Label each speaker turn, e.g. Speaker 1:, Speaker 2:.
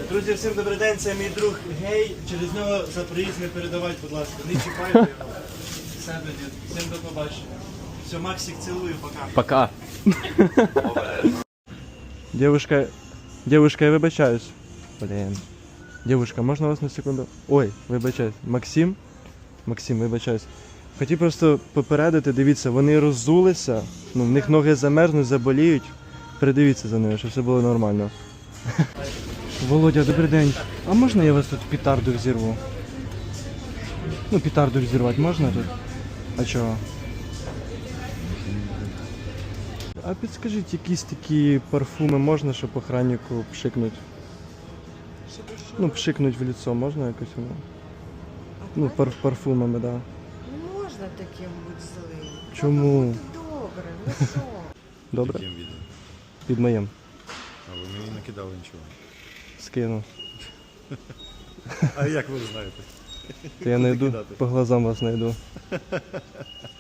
Speaker 1: Друзі, всім добрий день, це мій друг Гей. Через нього за проїзд не передавайте, будь ласка. Не чіпайте його. Все, дід. Всім до побачення. Все, Максик, цілую, пока.
Speaker 2: Пока. Девушка, я вибачаюсь. Блін. Девушка, можна вас на секунду? Ой, вибачаюсь. Максим, вибачаюсь. Хотів просто попередити, дивіться, вони роззулися, ну, в них ноги замерзнуть, заболіють. Передивіться за ними, щоб все було нормально. Володя, добрий день. А можна я вас тут петарду взірву? Ну, петарду взірвати можна тут? А чого? А підскажіть, якісь такі парфуми можна, щоб охраннику пшикнуть? Ну, пшикнуть в лицо можна якось воно? Ну, парфумами, так. Да.
Speaker 3: Можна таким бути злим.
Speaker 2: Чому?
Speaker 3: Будь добре, ну що?
Speaker 2: Добре?
Speaker 4: Яким відео?
Speaker 2: Під моїм.
Speaker 4: А ви мені накидали нічого.
Speaker 2: Скину.
Speaker 4: А як ви знаєте?
Speaker 2: То я найду,
Speaker 4: Накидати.
Speaker 2: по глазам вас найду.